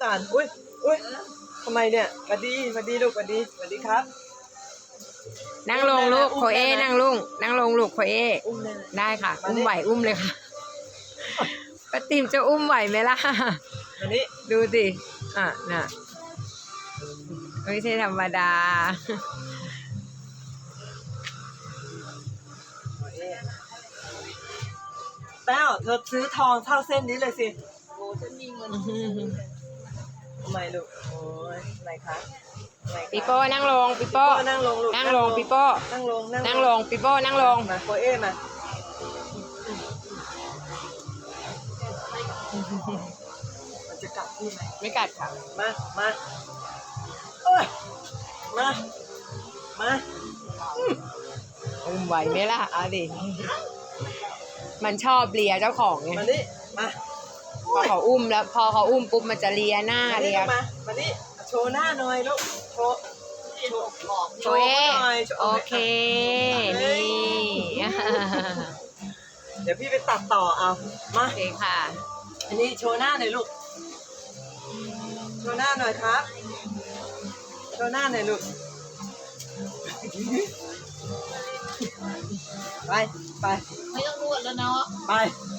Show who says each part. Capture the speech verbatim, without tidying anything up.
Speaker 1: อ่านอุ้ยอุ้ยทำไมเนี่ยสวัสดีสวัสดีลูกสวัสดีสวัสดีครับ
Speaker 2: นั่งลงลูกโคเอนั่งลุงนั่งลงลูกโคเอ
Speaker 1: อุ้มได้ไหม
Speaker 2: ได้ค่ะอุ้มไหวอุ้มเลยค่ะป้าติ๋มจะอุ้มไหวไหมล่ะ
Speaker 1: อันนี้
Speaker 2: ดูสิอ่ะน่ะไม่ใช่ธรรมดา
Speaker 1: แต้วเธอซื้อทองเท่าเส้นนี้เลยสิ
Speaker 3: โอ้ฉันมีเงิน
Speaker 1: ทำไมลูกโอ้ยอะไรคะอะไรคะ
Speaker 2: ปิโป้นั่งลงปิโป้
Speaker 1: นั่งลงลูก
Speaker 2: นั่งลงปิโป้
Speaker 1: นั่งลง
Speaker 2: นั่งลงปิโป้นั่งลง
Speaker 1: มาโคเอมามันจะกัดพี่ไหม
Speaker 2: ไม่กัดค่ะ
Speaker 1: มามาเอ้ยมามา
Speaker 2: อุ้มไหวไหมล่ะเอาดิมันชอบเลียเจ้าของไง
Speaker 1: มานี่มา
Speaker 2: พอเขาอุ้มแล้ว พอเขาอุ้มปุ๊บมันจะเลียหน้า
Speaker 1: มา
Speaker 2: เลี
Speaker 1: นี่
Speaker 2: ย
Speaker 1: มามานี่โชว์หน้าหน่อยลูกโชว์โชว์
Speaker 3: บอก
Speaker 2: โคเอ
Speaker 1: หน่อยโชว์
Speaker 2: โอเคนี่
Speaker 1: เดี๋ยวพี่ไปตัดต่อเอามา
Speaker 2: โอเคค่ะ
Speaker 1: อันนี้โชว์หน้าหน่อยลูก โชว์หน้าหน่อยครับ โชว์หน้าหน่อยลูก ไป ไป
Speaker 3: ไม่ต้องนวดแล้วเนาะ
Speaker 1: ไป
Speaker 3: ไ